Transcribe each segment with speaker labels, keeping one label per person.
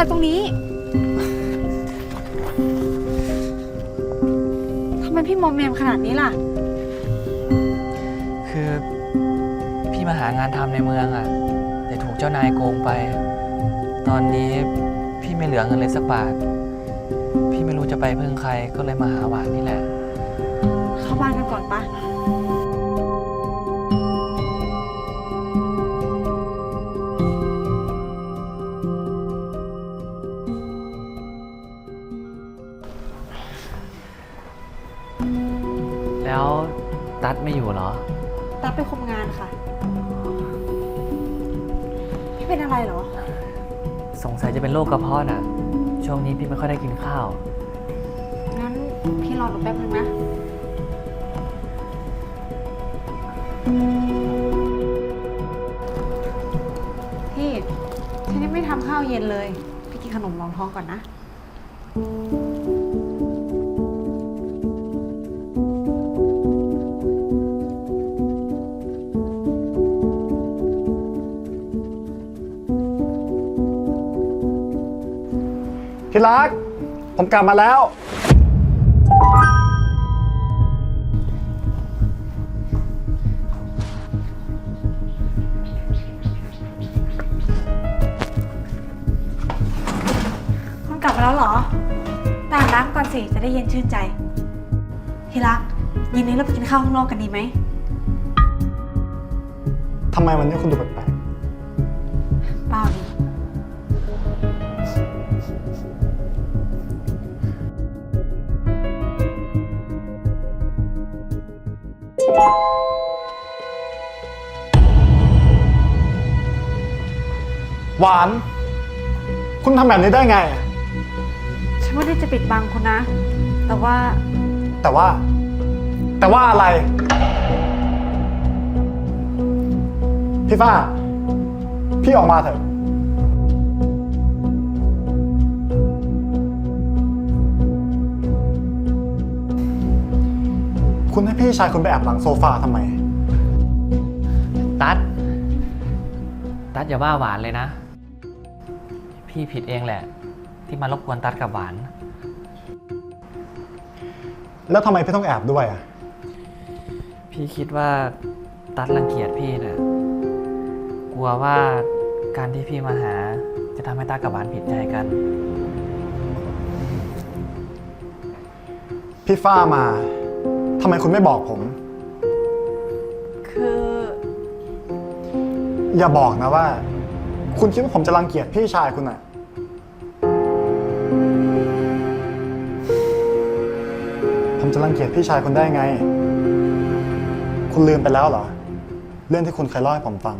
Speaker 1: อะไรตรงนี้ทำไมพี่มอมแมมขนาดนี้ล่ะ
Speaker 2: คือพี่มาหางานทำในเมืองอะแต่ถูกเจ้านายโกงไป ตอนนี้พี่ไม่เหลือเงินเลยสักบาทพี่ไม่รู้จะไปพึ่งใครก็เลยมาหาหวานนี่แหละ
Speaker 1: เข้าบ้านกันก่อนปะ
Speaker 2: แล้วตั๊ดไม่อยู่เหรอ
Speaker 1: ตั๊ดไปคุมงานค่ะพี่เป็นอะไรเหรอ
Speaker 2: สงสัยจะเป็นโรคกระเพาะน่ะช่วงนี้พี่ไม่ค่อยได้กินข้าว
Speaker 1: งั้นพี่รอหนูแป๊บนึงนะพี่ฉันยังไม่ทำข้าวเย็นเลยพี่กินขนมรองท้องก่อนนะ
Speaker 3: ที่รักผมกลับมาแล้ว
Speaker 1: คุณกลับมาแล้วเหรอไปอาบน้ำก่อนสิจะได้เย็นชื่นใจที่รักเย็นนี้เราไปกินข้าวข้างนอกกันดีไหม
Speaker 3: ทำไมวันนี้คุณดูแปลก
Speaker 1: เปล่าดิ
Speaker 3: หวานคุณทำแบบนี้ได้ไง
Speaker 1: ฉันไม่ได้จะปิดบังคุณนะแต่ว่า
Speaker 3: อะไรพี่ฟ้าพี่ออกมาเถอะคุณให้พี่ชายคุณไปแอบหลังโซฟาทำไม
Speaker 2: ตั๊ดอย่าว่าหวานเลยนะพี่ผิดเองแหละที่มารบกวนตั๊ดกับหวาน
Speaker 3: แล้วทำไมพี่ต้องแอบด้วยอ่ะ
Speaker 2: พี่คิดว่าตั๊ดรังเกียจพี่น่ะกลัวว่าการที่พี่มาหาจะทำให้ตั๊ดกับหวานผิดใจกัน
Speaker 3: พี่ฟ้ามาทำไมคุณไม่บอกผม
Speaker 1: คือ
Speaker 3: อย่าบอกนะว่าคุณคิดว่าผมจะรังเกียจพี่ชายคุณอ่ะผมจะรังเกียจพี่ชายคุณได้ไงคุณลืมไปแล้วเหรอเรื่องที่คุณเคยเล่าให้ผมฟัง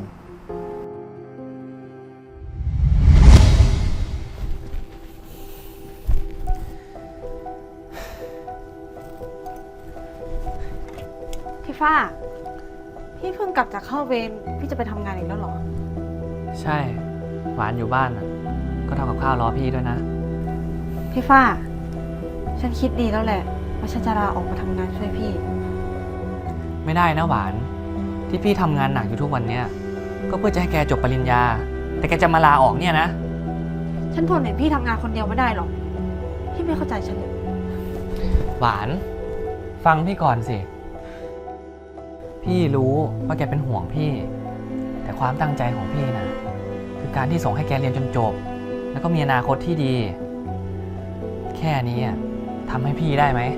Speaker 1: พี่ฟ้าพี่เพิ่งกลับจากเข้าเวรพี่จะไปทำงานอีกแล้วเหรอ
Speaker 2: ใช่หวานอยู่บ้านก็ทำกับข้าวรอพี่ด้วยนะ
Speaker 1: พี่ฟ้าฉันคิดดีแล้วแหละว่าฉันจะลาออกมาทำงานช่วยพี่
Speaker 2: ไม่ได้นะหวานที่พี่ทำงานหนักอยู่ทุกวันเนี้ยก็เพื่อจะให้แกจบปริญญาแต่แกจะมาลาออกเนี่ยนะ
Speaker 1: ฉันทนเห็นพี่ทำงานคนเดียวไม่ได้หรอกพี่ไม่เข้าใจฉันเลย
Speaker 2: หวานฟังพี่ก่อนสิพี่รู้ว่าแกเป็นห่วงพี่แต่ความตั้งใจของพี่นะคือการที่ส่งให้แกเรียนจนจบแล้วก็มีอนาคตที่ดีแค่นี้ทำให้พี่ได้ไหม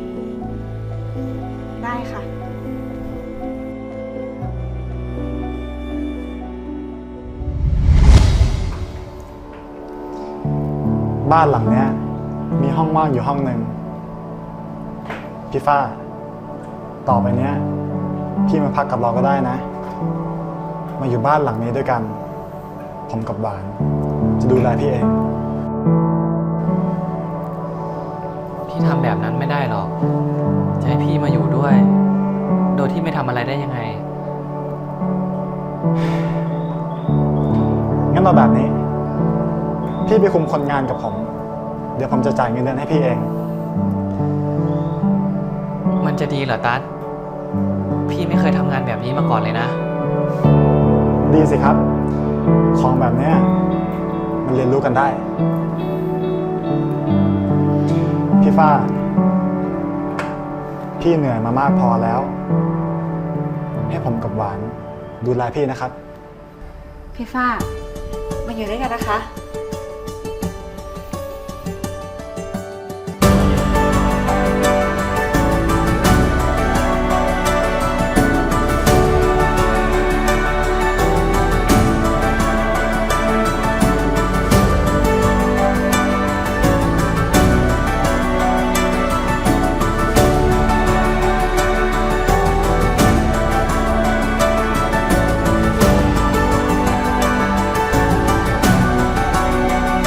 Speaker 1: ได้ค่ะ
Speaker 3: บ้านหลังเนี้ยมีห้องว่างอยู่ห้องหนึ่งพี่ฟ้าต่อไปเนี้ยพี่มาพักกับเราก็ได้นะมาอยู่บ้านหลังนี้ด้วยกันผมกับหวานจะดูแลพี่เอง
Speaker 2: พี่ทำแบบนั้นไม่ได้หรอกจะให้พี่มาอยู่ด้วยโดยที่ไม่ทำอะไรได้ยังไง
Speaker 3: งั้นเราแบบนี้พี่ไปคุมคนงานกับผมเดี๋ยวผมจะจ่ายเงินเดือนให้พี่เอง
Speaker 2: มันจะดีเหรอตั๊ดพี่ไม่เคยทำงานแบบนี้มาก่อนเลยนะ
Speaker 3: ดีสิครับของแบบเนี้ยมันเรียนรู้กันได้ พี่ฟ้า พี่เหนื่อยมามากพอแล้ว ให้ผมกับหวานดูแลพี่นะครับ
Speaker 1: พี่ฝ้ามาอยู่ด้วยกันนะคะ